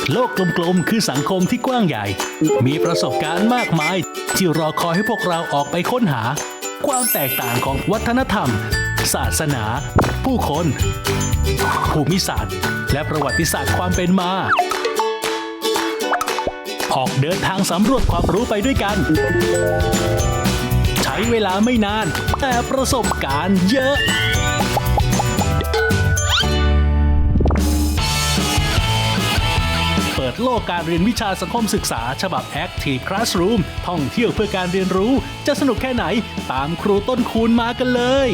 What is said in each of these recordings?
โลกกลมๆคือสังคมที่กว้างใหญ่มีประสบการณ์มากมายที่รอคอยให้พวกเราออกไปค้นหาความแตกต่างของวัฒนธรรมศาสนา ผู้คนภูมิศาสตร์และประวัติศาสตร์ความเป็นมาออกเดินทางสำรวจความรู้ไปด้วยกันใช้เวลาไม่นานแต่ประสบการณ์เยอะเปิดโลกการเรียนวิชาสังคมศึกษาฉบับ Active Classroom ท่องเที่ยวเพื่อการเรียนรู้จะสนุกแค่ไหนตามครูต้นคูณมากันเลย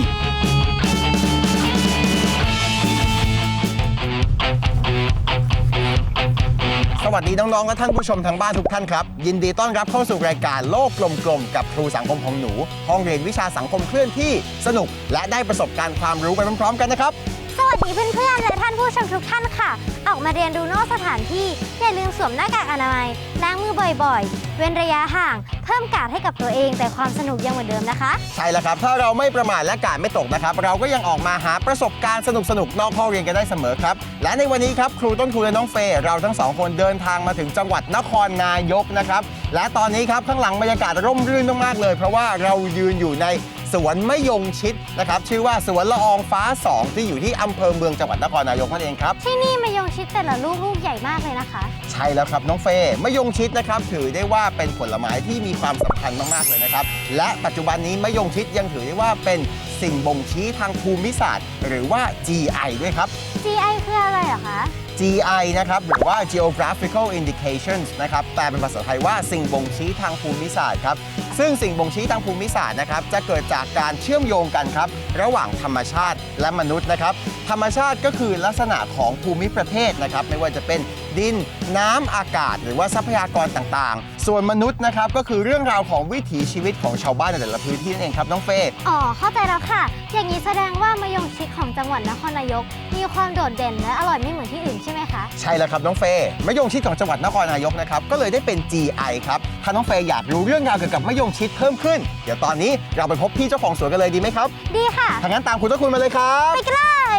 สวัสดีน้องๆและท่านผู้ชมทางบ้านทุกท่านครับยินดีต้อนรับเข้าสู่รายการโลกกลมๆกับครูสังคมของหนูห้องเรียนวิชาสังคมเคลื่อนที่สนุกและได้ประสบการณ์ความรู้ไปพร้อมๆกันนะครับสวัสดีเพื่อนๆและท่านผู้ชมทุกท่านค่ะออกมาเรียนรู้นอกสถานที่อย่าลืมสวมหน้ากากอนามัยล้างมือบ่อยๆเว้นระยะห่างเพิ่มการ์ดให้กับตัวเองแต่ความสนุกยังเหมือนเดิมนะคะใช่แล้วครับถ้าเราไม่ประมาทและกาดไม่ตกนะครับเราก็ยังออกมาหาประสบการณ์สนุกๆนอกห้องเรียนกันได้เสมอครับและในวันนี้ครับครูต้นคูณและน้องเฟย์เราทั้งสองคนเดินทางมาถึงจังหวัดนครนายกนะครับและตอนนี้ครับข้างหลังบรรยากาศร่มรื่นมากๆเลยเพราะว่าเรายืนอยู่ในสวนมะยงชิดนะครับชื่อว่าสวนละอองฟ้า2ที่อยู่ที่อำเภอเมืองจังหวัดนครนายกนั่นเองครับที่นี่มะยงชิดแต่ละลูกใหญ่มากเลยนะคะใช่แล้วครับน้องเฟย์มะยงชิดนะครับถือได้ว่าเป็นผลไม้ที่มีความสำคัญมากๆเลยนะครับและปัจจุบันนี้มะยงชิดยังถือได้ว่าเป็นสิ่งบ่งชี้ทางภูมิศาสตร์หรือว่า GI ด้วยครับ GI คืออะไรเหรอคะ GI นะครับหรือว่า Geographical Indications นะครับแปลเป็นภาษาไทยว่าสิ่งบ่งชี้ทางภูมิศาสตร์ครับซึ่งสิ่งบ่งชี้ทางภูมิศาสตร์นะครับจะเกิดจากการเชื่อมโยงกันครับระหว่างธรรมชาติและมนุษย์นะครับธรรมชาติก็คือลักษณะของภูมิประเทศนะครับไม่ว่าจะเป็นดินน้ำอากาศหรือว่าทรัพยากรต่างๆส่วนมนุษย์นะครับก็คือเรื่องราวของวิถีชีวิตของชาวบ้านในแต่ละพื้นที่นั่นเองครับน้องเฟย์อ๋อเข้าใจแล้วค่ะอย่างนี้แสดงว่ามะยงชิดของจังหวัดนครนายกมีความโดดเด่นและอร่อยไม่เหมือนที่อื่นใช่ไหมคะใช่แล้วครับน้องเฟย์มะยงชิดของจังหวัดนครนายกนะครับก็เลยได้เป็น GI ครับถ้าน้องเฟย์อยากรู้เรื่องราวเกี่ยวกับมะยงชิดเพิ่มขึ้นเดี๋ยวตอนนี้เราไปพบพี่เจ้าของสวนกันเลยดีไหมครับดีค่ะถ้างั้นตามคุณต้นคูณมาเลยครับไปกันเลย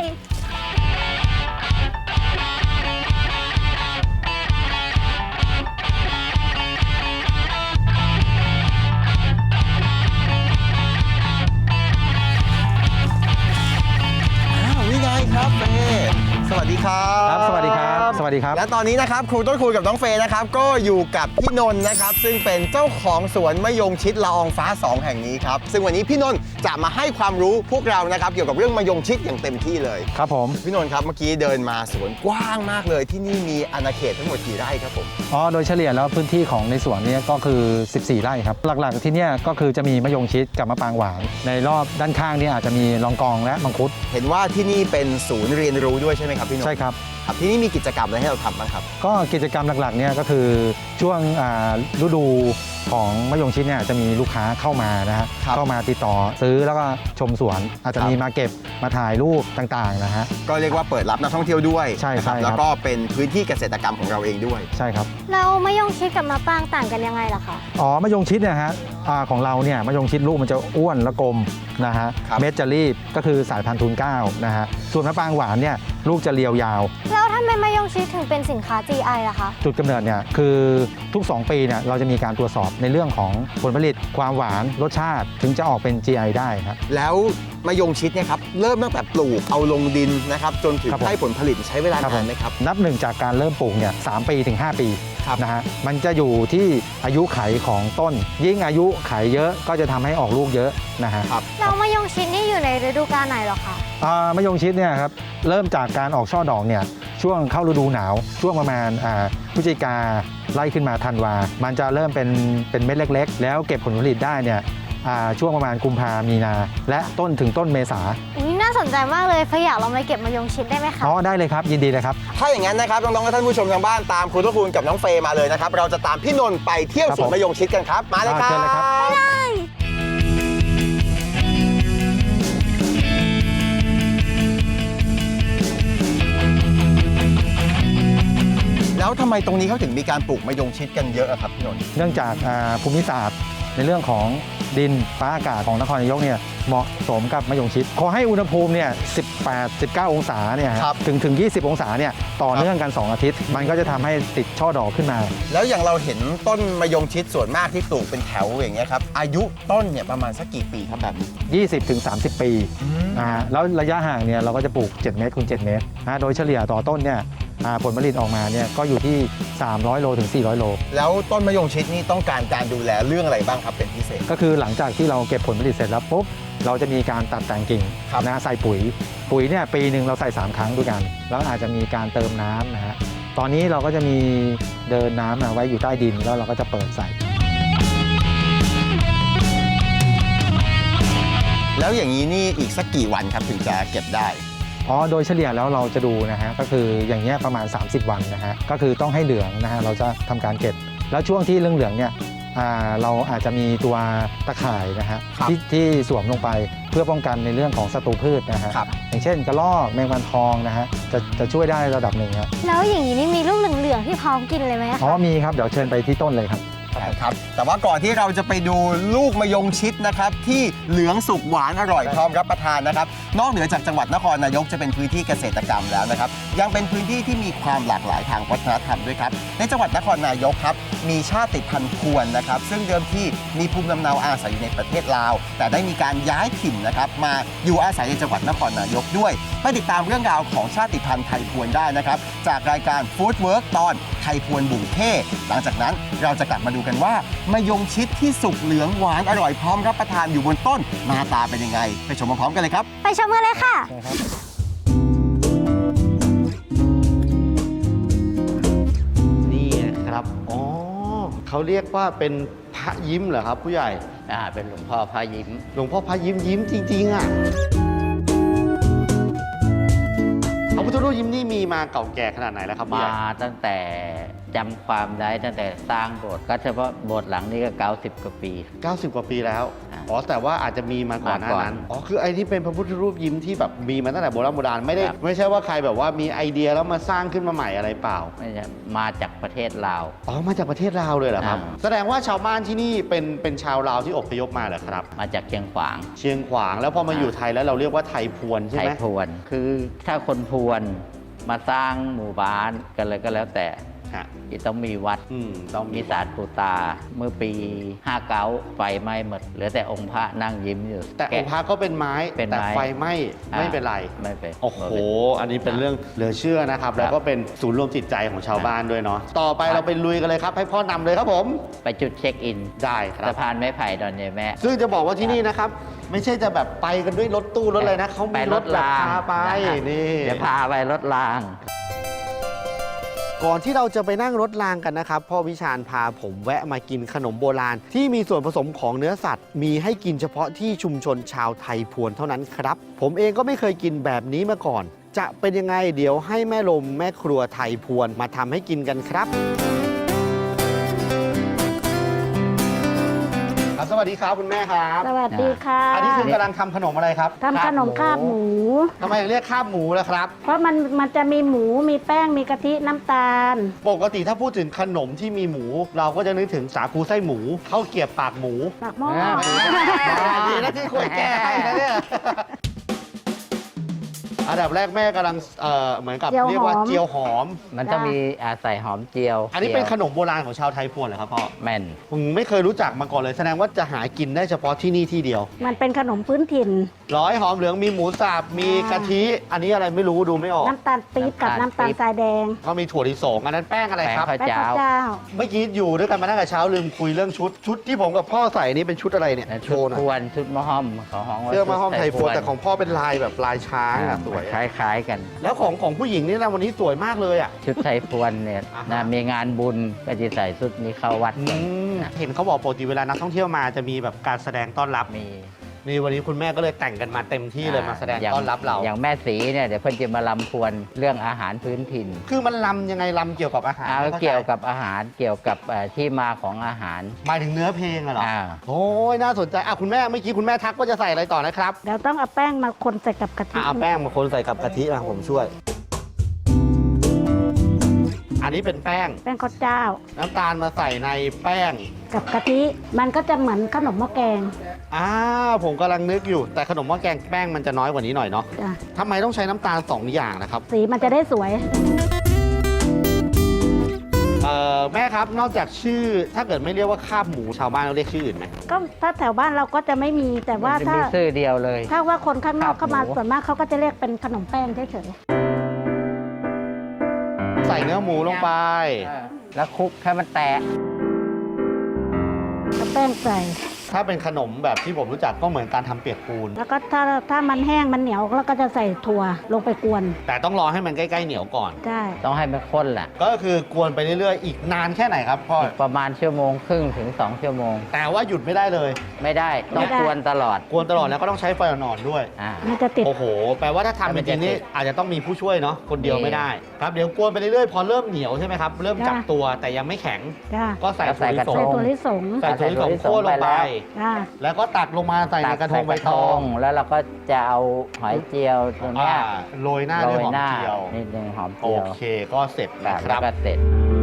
ครับเฟย์สวัสดีครับครับสวัสดีครับสวัสดีครับและตอนนี้นะครับครูต้นคูณกับน้องเฟย์นะครับก็อยู่กับพี่นนท์นะครับซึ่งเป็นเจ้าของสวนมะยงชิดละอองฟ้า2แห่งนี้ครับซึ่งวันนี้พี่นนท์จะมาให้ความรู้พวกเรานะครับเกี่ยวกับเรื่องมะยงชิดอย่างเต็มที่เลยครับผมพี่นนท์ครับเมื่อกี้เดินมาสวนกว้างมากเลยที่นี่มีอาณาเขตทั้งหมดกี่ไร่ครับผมโดยเฉลี่ยแล้วพื้นที่ของในสวนนี้ก็คือ14ไร่ครับหลักๆที่นี่ก็คือจะมีมะยงชิดกับมะปรางหวานในรอบด้านข้างนี่อาจจะมีลองกองและมังคุดเห็นว่าที่นี่เป็นศูนย์เรียนรู้ด้วยใช่ไหมครับพี่นนท์ใช่ครับที่นี่มีกิจกรรมอะไรให้เราทำบ้างครับก็กิจกรรมหลักๆเนี่ยก็คือช่วงฤดูของมะยงชิดเนี่ยจะมีลูกค้าเข้ามานะฮะเข้ามาติดต่อซื้อแล้วก็ชมสวนอาจจะมีมาเก็บมาถ่ายรูปต่างๆนะฮะก็เรียกว่าเปิดรับนักท่องเที่ยวด้วยใช่ครับแล้วก็เป็นพื้นที่เกษตรกรรมของเราเองด้วยใช่ครับแล้วมะยงชิดกับมะปรางต่างกันยังไงล่ะคะมะยงชิดเนี่ยฮะของเราเนี่ยมะยงชิดลูกมันจะอ้วนและกลมนะฮะเม็ดจะรีบก็คือสายพันธุ์ทูล9นะฮะส่วนมะปรางหวานเนี่ยลูกจะเรียวยาวแล้วทำไมมะยงชิดถึงเป็นสินค้า GI ล่ะคะจุดกำเนิดเนี่ยคือทุก2ปีเนี่ยเราจะมีการตรวจสอบในเรื่องของผลผลิตความหวานรสชาติถึงจะออกเป็น GI ได้ครับแล้วมะยงชิดเนี่ยครับเริ่มตั้งแต่ปลูกเอาลงดินนะครับจนถึงได้ผลผลิตใช้เวลานานไหมครับนับหนึ่งจากการเริ่มปลูกเนี่ย3 ปีถึง 5 ปีนะฮะมันจะอยู่ที่อายุไขของต้นยิ่งอายุไขเยอะก็จะทำให้ออกลูกเยอะนะฮะแล้วมะยงชิดนี่อยู่ในฤดูกาลไหนหรอคะมะยงชิดเนี่ยครับเริ่มจากการออกช่อดอกเนี่ยช่วงเข้าฤดูหนาวช่วงประมาณพฤศจิกาไล่ขึ้นมาธันวามันจะเริ่มเป็นเม็ดเล็กๆแล้วเก็บผลผลิตได้เนี่ยช่วงประมาณกุมภามีนาและต้นถึงต้นเมษาน่าสนใจมากเลยอยากลองไปเก็บมะยงชิดได้ไหมคะได้เลยครับยินดีเลยครับถ้าอย่างนั้นนะครับน้องๆและท่านผู้ชมทางบ้านตามครูต้นคูณกับน้องเฟย์มาเลยนะครับเราจะตามพี่นนท์ไปเที่ยวสวนมะยงชิดกันครับมาเลยครับไปเลยแล้วทำไมตรงนี้เขาถึงมีการปลูกมะยงชิดกันเยอะครับพี่นนท์เนื่องจากภูมิศาสตร์ในเรื่องของดินฟ้าอากาศของนครนายกเนี่ยเหมาะสมกับมะยงชิดขอให้อุณหภูมิเนี่ย18-19 องศาเนี่ยครับถึง 20 องศาเนี่ยต่อเนื่องกัน 2 อาทิตย์ มันก็จะทำให้ติดช่อดอกขึ้นมาแล้วอย่างเราเห็นต้นมะยงชิดส่วนมากที่ปลูกเป็นแถวอย่างเงี้ยครับอายุต้นเนี่ยประมาณสักกี่ปีครับแบบนี้ 20-30 ปีแล้วระยะห่างเนี่ยเราก็จะปลูก 7 เมตรคูณ 7 เมตรโดยเฉลี่ยต่อต้นเนี่ยผลผลิตออกมาเนี่ยก็อยู่ที่ 300 โลถึง 400 โลแล้วต้นมะยงชิดนี่ต้องการการดูแลเรื่องอะไรบ้างครับเป็นพิเศษก็คือหลังจากที่เราเก็บผลผลิตเสร็จแล้วปุ๊บเราจะมีการตัดแต่งกิ่งครับใส่ปุ๋ยเนี่ยปีหนึ่งเราใส่ 3 ครั้งด้วยกัน แล้วอาจจะมีการเติมน้ำนะฮะตอนนี้เราก็จะมีเดินน้ำไว้อยู่ใต้ดินแล้วเราก็จะเปิดใส่แล้วอย่างนี้นี่อีกสักกี่วันครับถึงจะเก็บได้โดยเฉลี่ยแล้วเราจะดูนะฮะก็คืออย่างเงี้ยประมาณ 30 วันนะฮะก็คือต้องให้เหลืองนะฮะเราจะทำการเก็บ แล้วช่วงที่เหลืองๆเนี่ยเราอาจจะมีตัวตะข่ายนะฮะครับที่สวมลงไปเพื่อป้องกันในเรื่องของศัตรูพืชนะฮะครับอย่างเช่นกระรอกแมงวันทองนะฮะจะช่วยได้ระดับหนึ่งครับแล้วอย่างนี้นี่มีลูกเหลืองๆที่พร้อมกินเลยไหมคะมีครับเดี๋ยวเชิญไปที่ต้นเลยครับครับแต่ว่าก่อนที่เราจะไปดูลูกมะยงชิดนะครับที่เหลืองสุกหวานอร่อยพร้อมรับประทานนะครับนอกเหนือจากจังหวัดนครนายกจะเป็นพื้นที่เกษตรกรรมแล้วนะครับยังเป็นพื้นที่ที่มีความหลากหลายทางวัฒนธรรมด้วยครับในจังหวัดนครนายกครับมีชาติพันธุ์พวนนะครับซึ่งเดิมที่มีภูมิลำเนาอาศัยอยู่ในประเทศลาวแต่ได้มีการย้ายถิ่นนะครับมาอยู่อาศัยในจังหวัดนครนายกด้วยไปติดตามเรื่องราวของชาติพันธุ์ไทยพวนได้นะครับจากรายการ Food Work ตอนไทยพวนบุ่งเท่หลังจากนั้นเราจะกลับมาดูกันว่ามะยงชิดที่สุกเหลืองหวานอร่อยพร้อมรับประทานอยู่บนต้นหน้าตาเป็นยังไงไปชมพร้อมๆกันเลยครับไปชมกันเลยค่ะนี่นะครับ อ๋อ เขาเรียกว่าเป็นพระยิ้มเหรอครับผู้ใหญ่เป็นหลวงพ่อพระยิ้มหลวงพ่อพระยิ้มยิ้มจริงๆอ่ะพระพุทธรูปยิ้มนี่มีมาเก่าแก่ขนาดไหนแล้วครับผู้ใหมาญ่ตั้งแต่จำความได้ตั้งแต่สร้างโบสถ์ก็เฉพาะโบสถ์หลังนี้ก็90 กว่าปี 90 กว่าปีแล้วอ่าอ๋อ แต่ว่าอาจจะมีมาก่อนหน้ามาก่อนนั้น อ๋อ คือไอ้ที่เป็นพระพุทธรูปยิ้มที่แบบมีมาตั้งแต่โบราณไม่ได้ครับไม่ใช่ว่าใครแบบว่ามีไอเดียแล้วมาสร้างขึ้นมาใหม่อะไรเปล่าไม่ใช่มาจากประเทศลาวอ๋อ มาจากประเทศลาวเลยเหรอครับอ่าแสดงว่าชาวบ้านที่นี่เป็นชาวลาวที่อพยพมาเหรอครับมาจากเชียงขวางเชียงขวาง แล้วพอมาอยู่ไทยแล้วเราเรียกว่าไทยพวนใช่ไทไหยมพวน คือถ้าคนพวนมาสร้างหมู่บ้านกันเลยก็แล้วแต่ฮะต้องมีวัดต้องมีมีศาลปู่ตา เมื่อปี59ไฟไหม้หมดเหลือแต่องค์พระนั่งยิ้มอยู่แต่องค์พระก็เป็นไม้เป็นแต่ไม้ไฟไหม้ไม่เป็นไรไม่เป็นโอ้โห อันนี้เป็นเรื่องเหลือเชื่อนะครับ แล้วก็เป็นศูนย์รวมจิตใจของชาวบ้านด้วยเนาะ ต่อไปเราไปลุยกันเลยครับ ให้พ่อนำเลยครับผมไปจุดเช็คอินได้ครัสะบพานไม้ไผ่ดอนยายแม่ซึ่งจะบอกว่าที่นี่นะครับ ไม่ใช่จะแบบไปกันด้วยรถตู้รถอะไรนะเขาไปมีรรถถแบบรางพาไปะฮะนี่เดี๋ยวพาไปรถรางก่อนที่เราจะไปนั่งรถรางกันนะครับพ่อวิชาญพาผมแวะมากินขนมโบราณ ที่มีส่วนผสมของเนื้อสัตว์ มีให้กินเฉพาะที่ชุมชนชาวไทยพวนเท่านั้นครับ ผมเองก็ไม่เคยกินแบบนี้มาก่อน จะเป็นยังไงเดี๋ยวให้แม่ลมแม่ครัวไทยพวนมาทำให้กินกันครับ สวัสดีครับคุณแม่ครับสวัสดีค่ะอันนี้คือกำลังทำขนมอะไรครับทำขนมคาบหมูทำไมถึงเรียกคาบหมูล่ะครับเพราะมันจะมีหมูมีแป้งมีกะทิน้ำตาลปกติถ้าพูดถึงขนมที่มีหมู เราก็จะนึกถึงสาคูไส้หมูข้าวเกรียบปากหมูปากหม้อดีนะที่คุยแก้ให้นะเนี่ยอันดับแรกแม่กำลังเหมือนกับเรียกว่าเจียวหอมมันจะมีใส่หอมเจียวอันนี้เป็นจียวขนมโบราณของชาวไทยพวนเหรอครับพ่อแม่นผมไม่เคยรู้จักมาก่อนเลย แสดงว่าจะหากินได้เฉพาะที่นี่ที่เดียวมันเป็นขนมพื้นถิ่นร้อยหอมเหลืองมีหมูสับมีกะทิ อันนี้อะไรไม่รู้ดูไม่ออกน้ำตาลปี๊บกับน้ำตาลทรายแดงก็มีถั่วลิสงอันนั้นแป้งอะไรครับแป้งแป้งเจ้าข้าวเจ้าเมื่อกี้อยู่ด้วยกันมาตั้งแต่เช้าลืมคุยเรื่องชุดที่ผมกับพ่อใส่นี่เป็นชุดอะไรเนี่ยและโชชุดว์หน่อยพวนชุดมะฮ่อมของห้องว่าเสื้อมาห้อมไทยพวนชุดแต่ของพ่อเป็นลายแบบลายช้างอะสวยคล้ายๆกันแล้วของผู้หญิงนี่นะวันนี้สวยมากเลยอ่ะชุดไทยพวนเนี่ยอ่าฮะนะมีงานบุญก็จะใส่ชุดนี้เข้าวัดกันเห็นเขาบอกปกติเวลานักท่องเที่ยวมาจะมีแบบการแสดงต้อนรับมีนี่วันนี้คุณแม่ก็เลยแต่งกันมาเต็มที่เลยมาแสดงย่ต้อนรับเราอย่างแม่สีเนี่ยเดี๋ยวเพิ่นจะมาลำพวนเรื่องอาหารพื้นถิ่นคือมันลำยังไงลำเกี่ยวกับอาหารเอาเกี่ยวกับอาหารเกี่ยวกับที่มาของอาหารหมายถึงเนื้อเพลงอะเหรออ่าโอ้ยน่าสนใจอ่ะคุณแม่เมื่อกี้คุณแม่ทักว่าจะใส่อะไรต่อนะครับเดี๋ยวต้องเอาแป้งมาคนใส่กับกะทิเอาแป้งมาคนใส่กับกะทิอ่ะผมช่วย อันนี้เป็นแป้งแป้งข้าวเจ้าน้ำตาลมาใส่ในแป้งกับกะทิมันก็จะเหมือนขนมหม้อแกงผมกำลังนึกอยู่แต่ขนมหม้อแกงแป้งมันจะน้อยกว่านี้หน่อยเนาะจ้ะทำไมต้องใช้น้ำตาล 2 อย่างนะครับสีมันจะได้สวยแม่ครับนอกจากชื่อถ้าเกิดไม่เรียกว่าคาบหมูชาวบ้านเราเรียกชื่ออื่นไหมก็ถ้าแถวบ้านเราก็จะไม่มีแต่ว่ามันจะถ้ามีชื่อเดียวเลยถ้าว่าคนข้างนอกครัเข้าบมาหมูส่วนมากเขาก็จะเรียกเป็นขนมแป้งเฉยใส่เนื้อหมูลงไปแล้วคลุกให้มันแตกๆแล้วแป้งใส่ถ้าเป็นขนมแบบที่ผมรู้จักก็เหมือนการทำเปียกปูนแล้วก็ถ้ามันแห้งมันเหนียวแล้วก็จะใส่ถั่วลงไปกวนแต่ต้องรอให้มันใกล้ๆเหนียวก่อนได้ต้องให้มันข้นแหละก็คือกวนไปเรื่อยๆ อีกนานแค่ไหนครับพ่ออีกประมาณ1.5 ชั่วโมงถึง 2 ชั่วโมงแต่ว่าหยุดไม่ได้เลยไม่ได้ต้องกวนตลอดกวนตลอดแล้วก็ต้องใช้ไฟอ่อนๆด้วยมันจะติดโอ้โห แปลว่าถ้าทำจริงๆนี่อาจจะต้องมีผู้ช่วยเนาะ คนเดียวไม่ได้ ครับ เดี๋ยวกวนไปเรื่อยๆ พอเริ่มเหนียวใช่ไหมครับ เริ่มจับตัวแต่ยังไม่แข็งจ้าก็ใส่ก็ใส่ถั่วลิสกระงทใส่ถั่วลิสงใส่ถั่วลิสงโค่นลงไปจ้าแล้วก็ตักลงมาใส่ในกระทงใบตองแล้วเราก็จะเอาหอยเจียวตัวเนี้ยโรยหน้าโรด้วยยหอมหน้าเจียวนิดนึงหอมโอเจียวเค ก็เสร็จแบนะบคแล้รัวบก็เสร็จ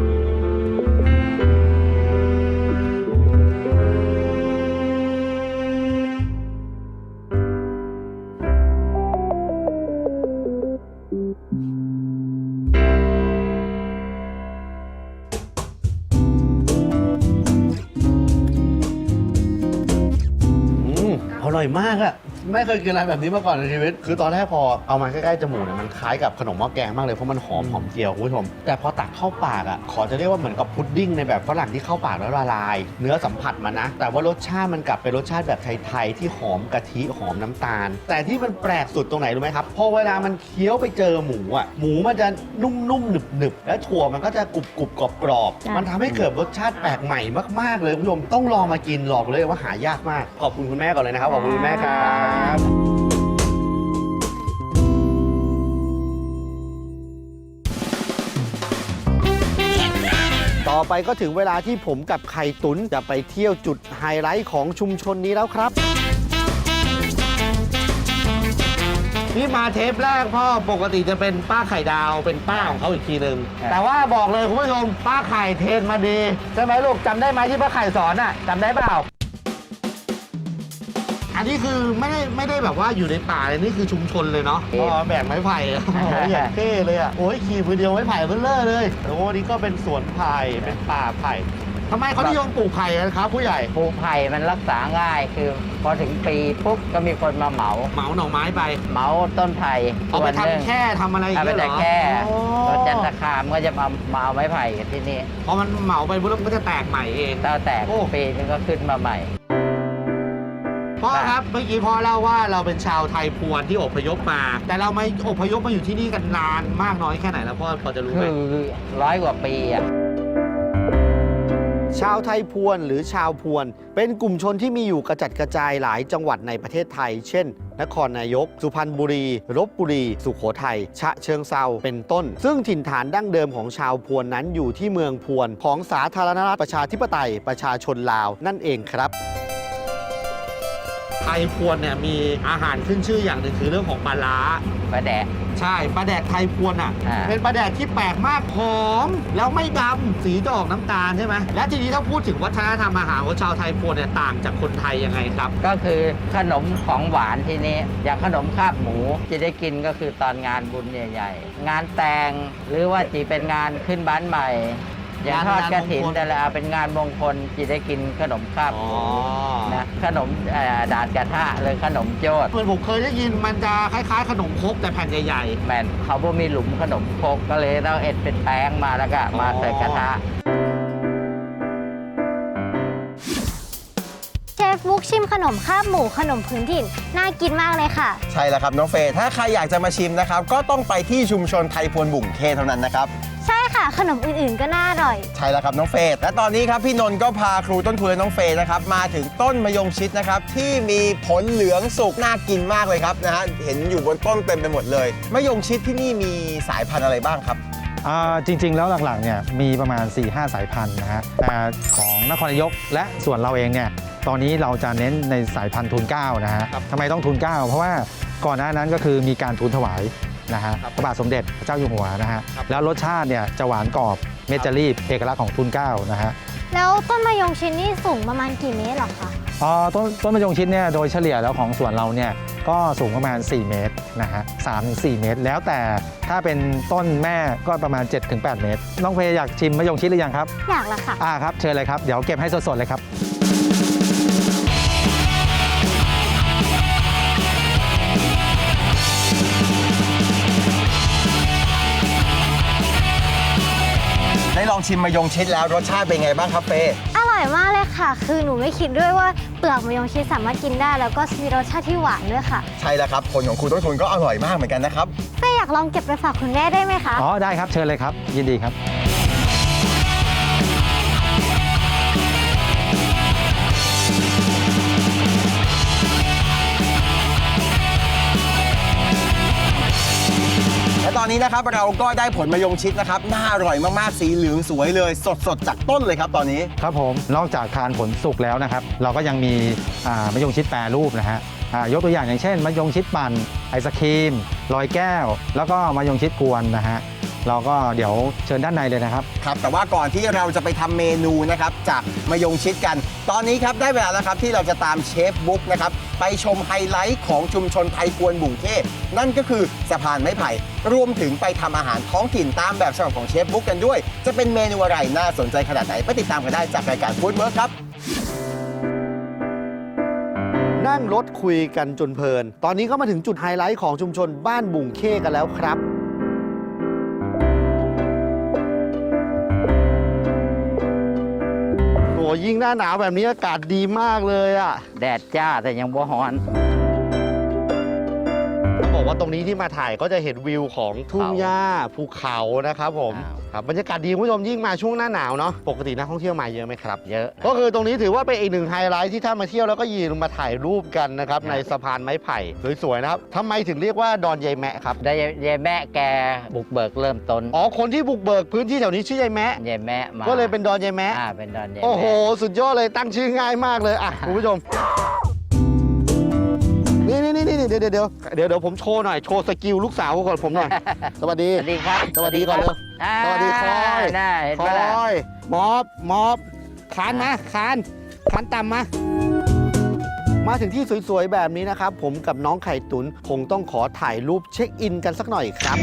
อร่อยมากอะไม่เคยกินอะไรแบบนี้มาก่อนในชีวิต คือตอนแรกพอเอามาใกล้ๆจมูกเนี่ยมันคล้ายกับขนมหม้อแกงมากเลยเพราะมันหอมเจียวคุณผู้ชม แต่พอตักเข้าปากอะขอจะเรียกว่าเหมือนกับพุดดิ้งในแบบฝรั่งที่เข้าปากแล้วละลาย เนื้อสัมผัสมันนะ แต่ว่ารสชาติมันกลับเป็นรสชาติแบบไทยๆที่หอมกะทิหอมน้ำตาล แต่ที่มันแปลกสุดตรงไหนรู้ไหมครับพอเวลามันเคี้ยวไปเจอหมูอะหมูมันจะนุ่มๆหนึบๆและถั่วมันก็จะกรุบๆกรอบๆมันทำให้เกิดรสชาติแปลกใหม่มากๆเลยคุณผู้ชมต้องลองมากินหลอกเลยว่าหายากมากขอบคุณคุณแม่ก่อนเลยนะครับขอบคุณคุณแม่ครับ ต่อไปก็ถึงเวลาที่ผมกับไข่ตุ๋นจะไปเที่ยวจุดไฮไลท์ของชุมชนนี้แล้วครับ นี่มาเทปแรกพ่อปกติจะเป็นป้าไข่ดาวเป็นป้าของเขาอีกทีหนึ่งครับแต่ว่าบอกเลยคุณผู้ชมป้าไข่เทรนมาดีใช่ไหมลูกจำได้ไหมที่ป้าไข่สอนอ่ะจำได้เปล่า อันนี้คือไม่ได้แบบว่าอยู่ในป่าเลยนี่คือชุมชนเลยเนาะพ่อแบกไม้ไผ่อะโอ้โหอย่างเท่เลยอ่ะโอ้ยขี่มือเดียวไม้ไผ่เบลเลอร์เลยโอ้นี่ก็เป็นสวนไผ่เป็นป่าไผ่ทำไมเขานิยมปลูกไผ่กันครับผู้ใหญ่ปลูกไผ่มันรักษาง่ายคือพอถึงปีปุ๊บก็มีคนมาเหมาเหมาหน่อไม้ไปเหมาต้นไผ่เอาไปส่วนหนึ่งทำแค่ทำอะไรอย่างเอาไปเงี้ยเหรแต่อแค่โอ้รถจันทคามก็จะมาเอาไม้ไผ่กันที่นี่พอมันเหมาไปปุ๊บแล้วมันก็จะแตกใหม่เองแล้วแต่โอ้ปีนึงก็ขึ้นมาใหม่พ่อครับเมื่อกี้พ่อเล่าว่าเราเป็นชาวไทยพวนที่อพยพมา แต่เราไม่อพยพมาอยู่ที่นี่กันนานมากน้อยแค่ไหนแล้วพ่อพอจะรู้ไหมคือ100 กว่าปีอ่ะชาวไทยพวนหรือชาวพวน เป็นกลุ่มชนที่มีอยู่กระจัดกระจายหลายจังหวัดในประเทศไทย เช่น นครนายก สุพรรณบุรีลพบุรี สุโขทัยฉะเชิงเซาเป็นต้น ซึ่งถิ่นฐานดั้งเดิมของชาวพวนนั้นอยู่ที่เมืองพวนของสาธารณรัฐประชาธิปไตยประชาชนลาวนั่นเองครับ ไทยพวนเนี่ยมีอาหารขึ้นชื่ออย่างหนึ่งคือเรื่องของปลาร้าปลาแดะใช่ปลาแดกไทยพวนอ่ะอ่าเป็นปลาแดกที่แปลกมากหอมแล้วไม่ดำสีจะออกน้ำตาลใช่ไหมและทีนี้ถ้าพูดถึงวัฒนธรรมอาหารของชาวไทยพวนเนี่ยต่างจากคนไทยยังไงครับก็คือขนมของหวานที่นี้อย่างขนมคาบหมูจะได้กินก็คือตอนงานบุญใหญ่ ๆ งานแต่งหรือว่าจีเป็นงานขึ้นบ้านใหม่อย่างทอดกระถินงานมงคลแต่ละเป็นงานมงคลจีได้กินขนมคาบหมูนะขนมดาดกระทะหรือขนมโจดเหมือนผมเคยได้ยินมันจะคล้ายๆ ขนมครกแต่แผ่นใหญ่แมนเขาบ่มีหลุมขนมครกก็เลยต้องเอ็ดเป็นแป้งมาแล้วก็มาใส่กระทะเชฟบุ๊กชิมขนมคาบหมูขนมพื้นถิ่นน่ากินมากเลยค่ะใช่แล้วครับน้องเฟย์ถ้าใครอยากจะมาชิมนะครับก็ต้องไปที่ชุมชนไทยพวนบุ่งเคเท่านั้นนะครับใช่ค่ะ ขนมอื่นๆก็น่าอร่อยใช่แล้วครับน้องเฟย์และตอนนี้ครับพี่นนท์ก็พาครูต้นทุนและน้องเฟย์นะครับมาถึงต้นมะยงชิดนะครับที่มีผลเหลืองสุกน่ากินมากเลยครับนะฮะเห็นอยู่บนต้นเต็มไปหมดเลยมะยงชิดที่นี่มีสายพันธุ์อะไรบ้างครับจริงๆแล้วหลักๆเนี่ยมีประมาณ 4-5 สายพันธุ์นะฮะแต่ของนครนายกและส่วนเราเองเนี่ยตอนนี้เราจะเน้นในสายพันธุ์ทูลเกล้านะฮะทำไมต้องทูลเกล้าเพราะว่าก่อนหน้านั้นก็คือมีการทูลถวายนะฮะพระบาทสมเด็จพระเจ้าอยู่หัวนะฮะแล้วรสชาติเนี่ยจะหวานกรอบเม็ดจะรีบเอกลักษณ์ของทูลเกล้านะฮะแล้วต้นมะยงชิดนี่สูงประมาณกี่เมตรหรอคะต้นมะยงชิดเนี่ยโดยเฉลี่ยแล้วของสวนเราเนี่ยก็สูงประมาณ4 เมตรนะฮะ3-4 เมตร แล้วแต่ถ้าเป็นต้นแม่ก็ประมาณ 7-8 เมตรน้องเพอยากชิมมะยงชิดหรือยังครับอยากละค่ะครับเชิญเลยครับเดี๋ยวเก็บให้สดๆเลยครับได้ลองชิมมะยงชิดแล้วรสชาติเป็นไงบ้างครับเฟย์อร่อยมากเลยค่ะ คือหนูไม่คิดด้วยว่าเปลือกมะยงชิดสามารถกินได้ แล้วก็มีรสชาติที่หวานด้วยค่ะใช่แล้วครับผลของครูต้นทุนก็อร่อยมากเหมือนกันนะครับเฟย์อยากลองเก็บไปฝากคุณแม่ได้ไหมคะได้ครับเชิญเลยครับยินดีครับและตอนนี้นะครับเราก็ได้ผลมะยงชิดนะครับน่าอร่อยมากๆสีเหลืองสวยเลยสดๆจากต้นเลยครับตอนนี้ครับผมนอกจากทานผลสุกแล้วนะครับเราก็ยังมีมะยงชิดแปรรูปนะฮะยกตัวอย่างเช่นมะยงชิดปั่นไอศครีมลอยแก้ว แล้วก็มะยงชิดกวนนะฮะเราก็เดี๋ยวเชิญด้านในเลยนะครับครับแต่ว่าก่อนที่เราจะไปทำเมนูนะครับจากมะยงชิดกัน ตอนนี้ครับได้เวลาแล้วครับที่เราจะตามเชฟบุ๊กนะครับไปชมไฮไลท์ของชุมชนไทยกวนบุ่งเท่นั่นก็คือสะพานไม้ไผ่รวมถึงไปทำอาหารท้องถิ่นตามแบบฉบับของเชฟบุ๊กกันด้วย จะเป็นเมนูอะไรน่าสนใจขนาดไหนไปติดตามกันได้จากรายการฟู้ดเวิร์คครับนั่งรถคุยกันจนเพลิน ตอนนี้ก็มาถึงจุดไฮไลท์ของชุมชนบ้านบุ่งเข้กันแล้วครับ โอ้ยิ่งหน้าหนาวแบบนี้อากาศดีมากเลยอ่ะแดดจ้าแต่ยังบ่ฮ้อนบอกว่าตรงนี้ที่มาถ่ายก็จะเห็นวิวของทุ่งหญ้าภูเขานะครับผม ครับบรรยากาศดีคุณผู้ชมยิ่งมาช่วงหน้าหนาวเนาะปกตินักท่องเที่ยวมาเยอะไหมครับเยอะก็คือตรงนี้ถือว่าเป็นอีกหนึ่งไฮไลท์ที่ถ้ามาเที่ยวแล้วก็ยืนลงมาถ่ายรูปกันนะครับในสะพานไม้ไผ่สวยๆนะครับทำไมถึงเรียกว่าดอนยายแมะครับได้ยายแม่แกบุกเบิกเริ่มต้นอ๋อคนที่บุกเบิกพื้นที่แถวนี้ชื่อยายแมะยายแม่มาก็เลยเป็นดอนยายแมะเป็นดอนยายแม่โอ้โหสุดยอดเลยตั้งชื่อง่ายมากเลยอ่ะคุณผู้ชมนี่เดี๋ยวผมโชว์หน่อยโชว์สกิลลูกสาวของผมหน่อยสวัสดีสวัสดีครับสวัสดีก่อนเร็ว สวัสดีคอยน่าเห็นคปะล่ะอยมอบคานมาคานต่ำมาถึงที่สวยๆแบบนี้นะครับผมกับน้องไข่ตุนคงต้องขอถ่ายรูปเช็คอินกันสักหน่อยครับ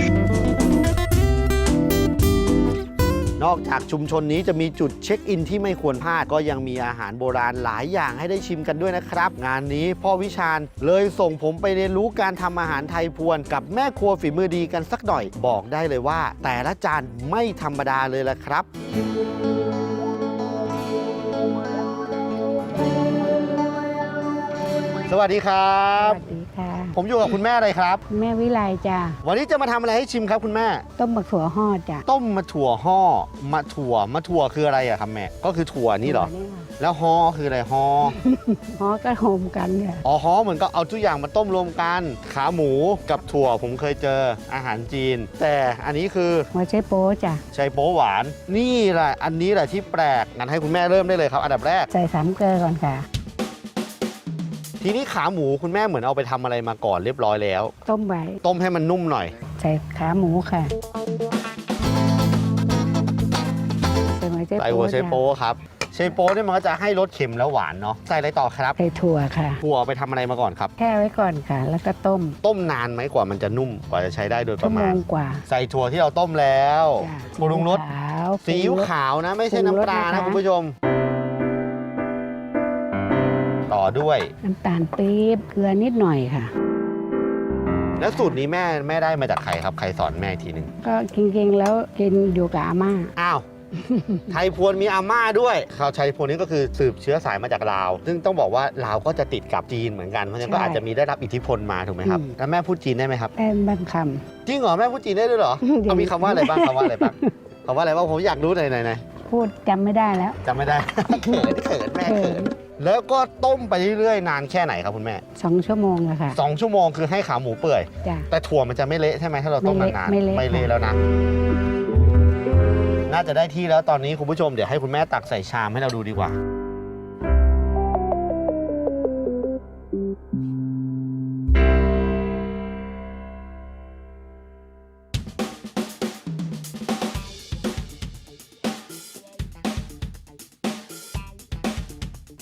นอกจากชุมชนนี้จะมีจุดเช็คอินที่ไม่ควรพลาดก็ยังมีอาหารโบราณหลายอย่างให้ได้ชิมกันด้วยนะครับ งานนี้พ่อวิชาญเลยส่งผมไปเรียนรู้การทำอาหารไทยพวนกับแม่ครัวฝีมือดีกันสักหน่อยบอกได้เลยว่า แต่ละจานไม่ธรรมดาเลยละครับ สวัสดีครับสวัสดีค่ะผมอยู่กับคุณแม่อะไรครับแม่วิไลจ้ะวันนี้จะมาทำอะไรให้ชิมครับคุณแม่ต้มบักถั่วห่อจ้ะต้มมะถั่วห่อมะถั่วคืออะไรอะครับแม่ก็คือถั่วนี่เหรอ แล้วฮอคืออะไรฮอห่อก็โฮมกันเนี่ยอ๋อฮอเหมือนก็เอาทุกอย่างมาต้มรวมกัน ขาหมูกับถั่วผมเคยเจออาหารจีน แต่อันนี้คือหัวไชโป๊จ้ะไชโป๊หวาน นี่แหละอันนี้แหละที่แปลกงั้นให้คุณแม่เริ่มได้เลยครับ อันดับแรกใส่สามเกลือก่อนค่ะทีนี้ขาหมูคุณแม่เหมือนเอาไปทำอะไรมาก่อนเรียบร้อยแล้วต้มไว้ต้มให้มันนุ่มหน่อยใส่ขาหมูค่ะ ใส่หัวไชใส่โป๊หัวไชโป๊จ้ะครับไชโป๊เนี่ยมันก็จะให้รสเค็มแล้วหวานเนาะใส่อะไรต่อครับใส่ถั่วค่ะถั่วไปทำอะไรมาก่อนครับแช่ไว้ก่อนค่ะ แล้วก็ต้มต้มนานไหมกว่ามันจะนุ่มกว่าจะใช้ได้โดยปชั่วระโมมาณงกว่าใส่ถั่วที่เราต้มแล้วจ้ะปรุงรสขาวซีอิ๊วขาวนะไม่ใช่น้ำปลานะคุณผู้ชม ต่อด้วยน้ำตาลปี๊บเกลือนิดหน่อยค่ะแล้วสูตรนี้แม่ได้มาจากใครครับใครสอนแม่อีกทีหนึ่งก็กินๆแล้วกินอยู่กับอาม่าอ้าว ไทยพวนมีอาม่าด้วยชาวไทยพวนนี้ก็คือสืบเชื้อสายมาจากลาว ซึ่งต้องบอกว่าลาวก็จะติดกับจีนเหมือนกันเพราะฉะนั้นก็ใช่อาจจะมีได้รับอิทธิพลมาถูกไหมครับ แล้วแม่พูดจีนได้ไหมครับแป้งบางคจริงเหรอแม่พูดจีนได้ด้วยเหรอจริงเอามีคำว่าอะไรบ้างคำว่าอะไรบ้างคำว่าอะไรบ้างผมอยากรู้หน่อยำพูดจำไม่ได้แล้วจำไม่ได้ เขินแม่เขินแล้วก็ต้มไปเรื่อยๆนานแค่ไหนครับคุณแม่ 2 ชั่วโมงอะค่ะ 2 ชั่วโมงคือให้ขาหมูเปื่อยจ้ะแต่ถั่วมันจะไม่เละใช่ไหมถ้าเราต้มนานๆไม่เละไม่เละแล้วนะ น่าจะได้ที่แล้วตอนนี้คุณผู้ชมเดี๋ยวให้คุณแม่ตักใส่ชามให้เราดูดีกว่า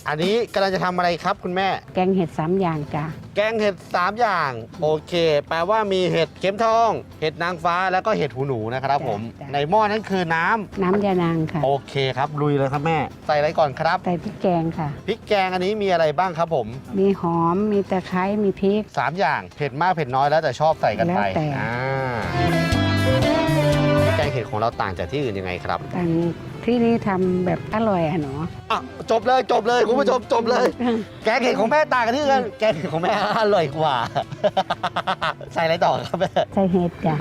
อันนี้กำลังจะทำอะไรครับคุณแม่แกงเห็ด3 อย่างจ้ะแกงเห็ด3 อย่าง โอเค แปลว่ามีเห็ดเข็มทอง เห็ดนางฟ้าแล้วก็เห็ดหูหนูนะครับผมจ้ะในหม้อนั้นคือน้ำน้ำยานางค่ะโอเคครับลุยเลยครับแม่ ใส่อะไรก่อนครับใส่พริกแกงค่ะพริกแกงอันนี้มีอะไรบ้างครับผมมีหอมมีตะไคร้มีพริก 3 อย่างเผ็ดมากเผ็ดน้อยแล้วแต่ชอบใส่กันไปแล้วแต่แกงเห็ดของเราต่างจากที่อื่นยังไงครับต่างที่นี่ทำแบบอร่อยอะหนูอ่ะจบเลยคุณผู้ชมจบเลย แกงเห็ดของแม่ต่างกันที่อื่นแกงเห็ดของแม่อร่อยกว่า ใส่อะไรต่อครับแม่ใส่เห็ดจ้ะ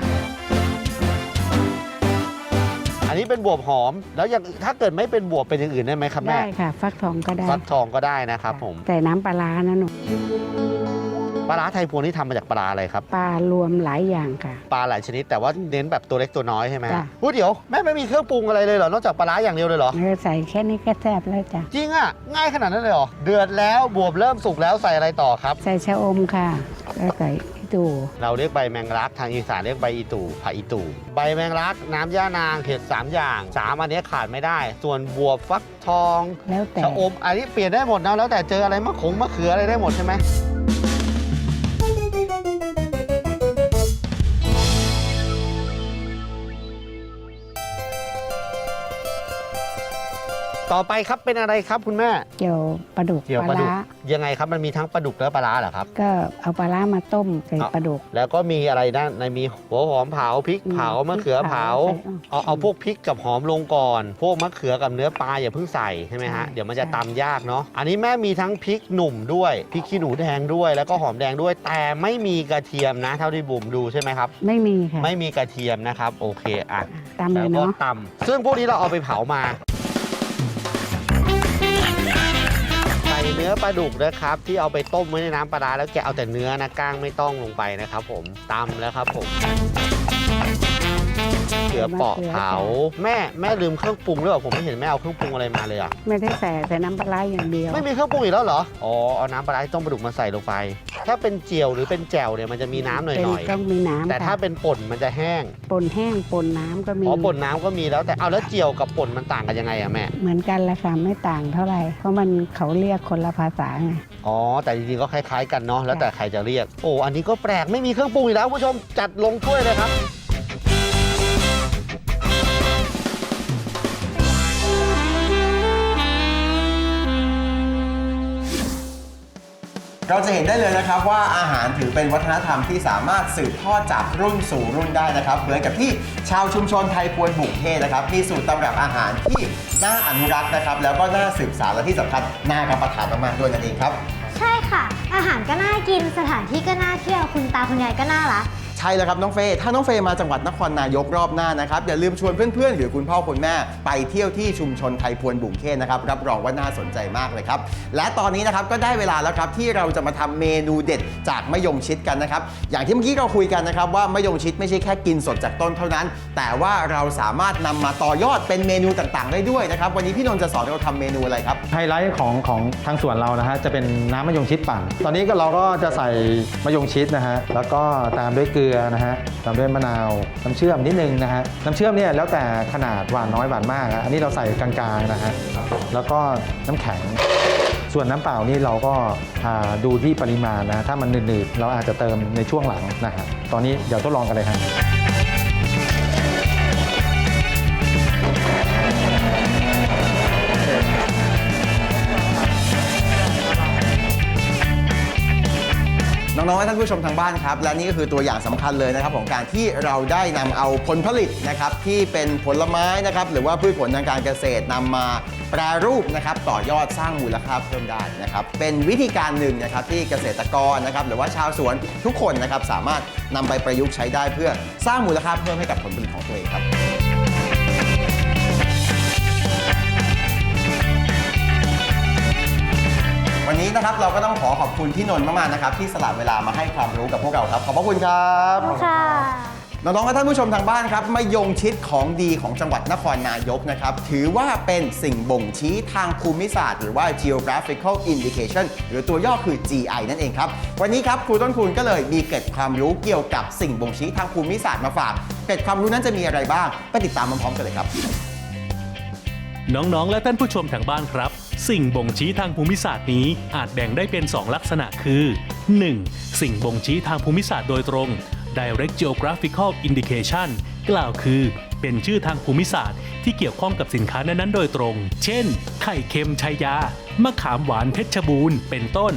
อันนี้เป็นบวบหอมแล้วอย่างถ้าเกิดไม่เป็นบวบเป็นอย่างอื่นได้ไหมครับแม่ได้ค่ะ ฟักทองก็ได้ฟักทองก็ได้นะครับผมใส่น้ำปลาร้านะหนูปลาร้าไทยพวงนี่ทำมาจากปลาอะไรครับปลารวมหลายอย่างค่ะปลาหลายชนิดแต่ว่าเน้นแบบตัวเล็กตัวน้อยใช่ไหมจ้ะพูดเดี๋ยวแม่ไม่มีเครื่องปรุงอะไรเลยเหรอนอกจากปลาร้าอย่างเดียวเลยเหรอใส่แค่นี้ก็แซ่บแล้วจ้ะจริงอ่ะง่ายขนาดนั้นเลยเหรอเดือดแล้วบวบเริ่มสุกแล้วใส่อะไรต่อครับใส่ชะอมค่ะแล้วใส่อีตูเราเรียกใบแมงลักทางอีสานเรียกใบอีตู่ผักอีตู่ใบแมงลักน้ำย่านางเห็ด3 อย่าง3อันนี้ขาดไม่ได้ ส่วนบวบฟักทองแล้วแต่ชะอมอันนี้เปลี่ยนได้หมดนะแล้วแต่เจออะไรมะเขืออะไรได้หมดใช่ไหมต่อไปครับเป็นอะไรครับคุณแม่เกี่ยวปลาดุกเกี่ยวปปลาลาดุกร้ายังไงครับมันมีทั้งปลาดุกและปลาร้าเหรอครับก็เอาปลาร้ามาต้มใส่ปลาดุกแล้วก็มีอะไรด้านในมีหัวหอมเผาพริกเผามะเขือเผาใส่เอาพวกพริกกับหอมลงก่อน พวกมะเขือกับเนื้อปลาอย่าเพิ่งใส่ใช่ไหมฮะใช่เดี๋ยวมันจะตำยากเนาะอันนี้แม่มีทั้งพริกหนุ่มด้วยพริกขี้หนูแดงด้วย แล้วก็หอมแดงด้วย แต่ไม่มีกระเทียมนะ เท่าที่บุ๋มดูใช่ไหมครับไม่มีค่ะไม่มีกระเทียมนะครับโอเคอ่ะตามเลแล้วยก็เนาะตำซึ่งพวกนี้เราเอาไปเผามาใส่เนื้อปลาดุกนะครับที่เอาไปต้มไว้ในน้ำปลาร้าแล้วแกะเอาแต่เนื้อนะก้างไม่ต้องลงไปนะครับผมตำแล้วครับผมเขือเปาะเผาแม่ลืมเครื่องปรุงหรือเปล่าผมไม่เห็นแม่เอาเครื่องปรุงอะไรมาเลยอ่ะไม่ได้ใส่น้ำปลาร้าอย่างเดียวไม่มีเครื่องปรุงอีกแล้วเหรออ๋อเอาน้ำปลาร้าที่ต้มปลาดุกมาใส่ลงไป ถ้าเป็นเจียวหรือเป็นแจ่วเนี่ยมันจะมีน้ำหน่อยต้องมีน้ำๆแต่ถ้าเป็นป่นมันจะแห้งป่นแห้งป่นน้ำก็มีอ๋อป่นน้ำก็มีแล้วแต่เอาแล้วเจียวกับป่นมันต่างกันยังไงอะแม่เหมือนกันแหละค่ะไม่ต่างเท่าไหร่ เพราะมันเขาเรียกคนละภาษาไงอ๋อแต่จริงๆก็คล้ายๆกันเนาะแล้วแต่ใครจะเรียกโอ้อันนี้ก็แปลกไม่มีเครื่องปรุงอีกแล้วคุณผู้ชมจัดลงถ้วยเลยครับเราจะเห็นได้เลยนะครับว่าอาหารถือเป็นวัฒนธรรมที่สามารถสืบทอดจากรุ่นสู่รุ่นได้นะครับเหมือนกับที่ชาวชุมชนไทยพวนบุกเทศนะครับมีสูตรตำรับอาหารที่น่าอนุรักษ์นะครับแล้วก็น่าสืบสานและที่สำคัญน่ารับประทานมากๆด้วยนั่นเองครับใช่ค่ะ อาหารก็น่ากินสถานที่ก็น่าเที่ยวคุณตาคุณยายก็น่ารักใช่แล้วครับน้องเฟย์ถ้าน้องเฟย์มาจังหวัดนครนายกรอบหน้านะครับอย่าลืมชวนเพื่อนๆหรือคุณพ่อคุณแม่ไปเที่ยวที่ชุมชนไทยพวนบุ่งเคนนะครับรับรองว่าน่าสนใจมากเลยครับและตอนนี้นะครับก็ได้เวลาแล้วครับที่เราจะมาทำเมนูเด็ดจากมะยงชิดกันนะครับอย่างที่เมื่อกี้เราคุยกันนะครับว่ามะยงชิดไม่ใช่แค่กินสดจากต้นเท่านั้น แต่ว่าเราสามารถนำมาต่อยอดเป็นเมนูต่างๆได้ด้วยนะครับวันนี้พี่นนท์จะสอนเราทำเมนูอะไรครับไฮไลท์ของทางสวนเรานะฮะจะเป็นน้ำมะยงชิดปั่น ตอนนี้ก็เราก็จะใส่มะยงชิดนะฮะแล้วก็ตามด้วยเกลือนะฮะตามด้วยมะนาวน้ำเชื่อมนิดนึงนะฮะน้ำเชื่อมเนี่ยแล้วแต่ขนาดหวานน้อยหวานมากอันนี้เราใส่กลางๆนะฮะแล้วก็น้ำแข็งส่วนน้ำเปล่านี่เราก็ดูที่ปริมาณนะถ้ามันหนืดๆเราอาจจะเติมในช่วงหลังนะฮะตอนนี้เดี๋ยวทดลองกันเลยฮะน้องๆและท่านผู้ชมทางบ้านครับและนี่ก็คือตัวอย่างสำคัญเลยนะครับของการที่เราได้นำเอาผลผลิตนะครับที่เป็นผลไม้นะครับหรือว่าพืชผลทางการเกษตรนำมาแปรรูปนะครับต่อยอดสร้างมูลค่าเพิ่มได้นะครับเป็นวิธีการหนึ่งนะครับที่เกษตรกรนะครับหรือว่าชาวสวนทุกคนนะครับสามารถนำไปประยุกต์ใช้ได้เพื่อสร้างมูลค่าเพิ่มให้กับผลผลิตของตัวเองครับวันนี้นะครับเราก็ต้องขอบคุณพี่นนท์มากๆนะครับที่สละเวลามาให้ความรู้กับพวกเราครับขอบพระคุณครับค่ะน้องๆและท่านผู้ชมทางบ้านครับมะยงชิดของดีของจังหวัดนครนายกนะครับถือว่าเป็นสิ่งบ่งชี้ทางภูมิศาสตร์หรือว่า geographical indication หรือตัวย่อคือ GI นั่นเองครับวันนี้ครับครูต้นคูณก็เลยมีเกร็ดความรู้เกี่ยวกับสิ่งบ่งชี้ทางภูมิศาสตร์มาฝากเกร็ดความรู้นั้นจะมีอะไรบ้างไปติดตามพร้อมๆกันเลยครับน้องๆและท่านผู้ชมทางบ้านครับสิ่งบ่งชี้ทางภูมิศาสตร์นี้อาจแบ่งได้เป็น 2 ลักษณะคือ 1. สิ่งบ่งชี้ทางภูมิศาสตร์โดยตรง Direct Geographical Indication กล่าวคือเป็นชื่อทางภูมิศาสตร์ที่เกี่ยวข้องกับสินค้านั้นๆโดยตรง เช่น ไข่เค็มชัยยามะขามหวานเพชรบูรณ์เป็นต้น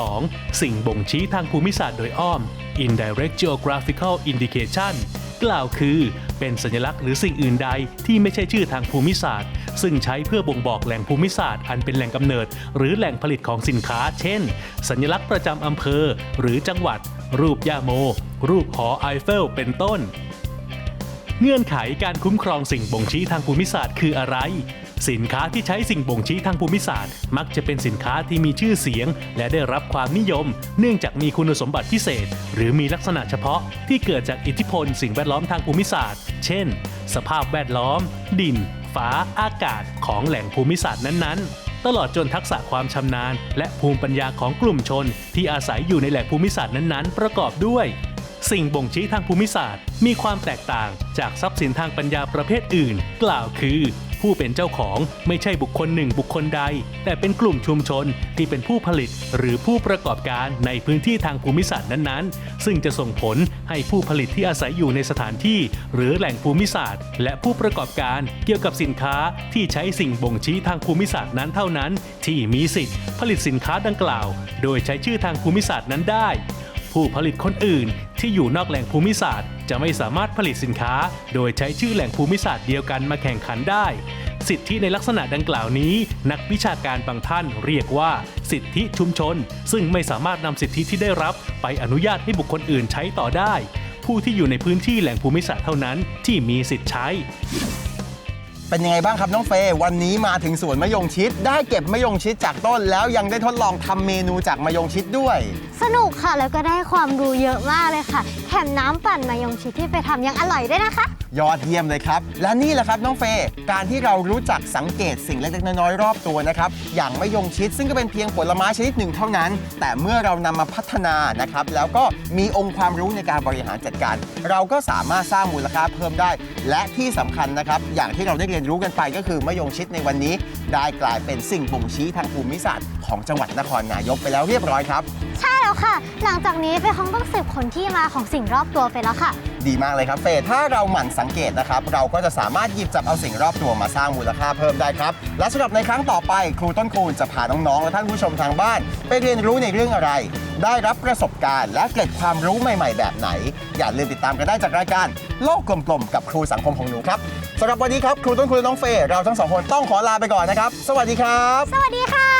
2. สิ่งบ่งชี้ทางภูมิศาสตร์โดยอ้อม Indirect Geographical Indication กล่าวคือเป็นสัญลักษณ์หรือสิ่งอื่นใดที่ไม่ใช่ชื่อทางภูมิศาสตร์ซึ่งใช้เพื่อบ่งบอกแหล่งภูมิศาสตร์อันเป็นแหล่งกำเนิดหรือแหล่งผลิตของสินค้าเช่นสัญลักษณ์ประจำอำเภอหรือจังหวัดรูปย่าโมรูปหอไอเฟลเป็นต้นเงื่อนไขการคุ้มครองสิ่งบ่งชี้ทางภูมิศาสตร์คืออะไรสินค้าที่ใช้สิ่งบ่งชี้ทางภูมิศาสตร์มักจะเป็นสินค้าที่มีชื่อเสียงและได้รับความนิยมเนื่องจากมีคุณสมบัติพิเศษหรือมีลักษณะเฉพาะที่เกิดจากอิทธิพลสิ่งแวดล้อมทางภูมิศาสตร์เช่นสภาพแวดล้อมดินฟ้าอากาศของแหล่งภูมิศาสตร์นั้นๆตลอดจนทักษะความชำนาญและภูมิปัญญาของกลุ่มชนที่อาศัยอยู่ในแหล่งภูมิศาสตร์นั้นๆประกอบด้วยสิ่งบ่งชี้ทางภูมิศาสตร์มีความแตกต่างจากทรัพย์สินทางปัญญาประเภทอื่นกล่าวคือผู้เป็นเจ้าของไม่ใช่บุคคลหนึ่งบุคคลใดแต่เป็นกลุ่มชุมชนที่เป็นผู้ผลิตหรือผู้ประกอบการในพื้นที่ทางภูมิศาสตร์นั้นๆซึ่งจะส่งผลให้ผู้ผลิตที่อาศัยอยู่ในสถานที่หรือแหล่งภูมิศาสตร์และผู้ประกอบการเกี่ยวกับสินค้าที่ใช้สิ่งบ่งชี้ทางภูมิศาสตร์นั้นเท่านั้นที่มีสิทธิ์ผลิตสินค้าดังกล่าวโดยใช้ชื่อทางภูมิศาสตร์นั้นได้ผู้ผลิตคนอื่นที่อยู่นอกแหล่งภูมิศาสตร์จะไม่สามารถผลิตสินค้าโดยใช้ชื่อแหล่งภูมิศาสตร์เดียวกันมาแข่งขันได้สิทธิในลักษณะดังกล่าวนี้นักวิชาการบางท่านเรียกว่าสิทธิชุมชนซึ่งไม่สามารถนำสิทธิที่ได้รับไปอนุญาตให้บุคคลอื่นใช้ต่อได้ผู้ที่อยู่ในพื้นที่แหล่งภูมิศาสตร์เท่านั้นที่มีสิทธิ์ใช้เป็นยังไงบ้างครับน้องเฟย์วันนี้มาถึงสวนมะยงชิดได้เก็บมะยงชิดจากต้นแล้วยังได้ทดลองทำเมนูจากมะยงชิดด้วยสนุกค่ะแล้วก็ได้ความรู้เยอะมากเลยค่ะแถมน้ำปั่นมะยงชิดที่ไปทำยังอร่อยด้วยนะคะยอดเยี่ยมเลยครับและนี่แหละครับน้องเฟย์การที่เรารู้จักสังเกตสิ่งเล็กๆน้อยๆรอบตัวนะครับอย่างมะยงชิดซึ่งก็เป็นเพียงผลไม้ชนิดหนึ่งเท่านั้นแต่เมื่อเรานำมาพัฒนานะครับแล้วก็มีองค์ความรู้ในการบริหารจัดการเราก็สามารถสร้างมูลค่าเพิ่มได้และที่สำคัญนะครับอย่างที่เราได้เรียนรู้กันไปก็คือมะยงชิดในวันนี้ได้กลายเป็นสิ่งบ่งชี้ทางภูมิศาสตร์ของจังหวัดนครนายกไปแล้วเรียบร้อยครับใช่แล้วค่ะหลังจากนี้เฟย์คงต้องสืบค้นที่มาของสิ่งรอบตัวไปแล้วค่ะดีมากเลยครับเฟย์ถ้าเราหมั่นสังเกตนะครับเราก็จะสามารถหยิบจับเอาสิ่งรอบตัวมาสร้างมูลค่าเพิ่มได้ครับและสำหรับในครั้งต่อไปครูต้นคูณจะพาน้องๆและท่านผู้ชมทางบ้านไปเรียนรู้ในเรื่องอะไรได้รับประสบการณ์และเกร็ดความรู้ใหม่ๆแบบไหนอย่าลืมติดตามกันได้จากรายการโลกกลมๆกับครูสังคมของหนูครับสำหรับวันนี้ครับครูต้นคูณและน้องเฟย์เราทั้งสองคนต้องขอลาไปก่อนนะครับสวัสดีครับสวัสดีค่ะ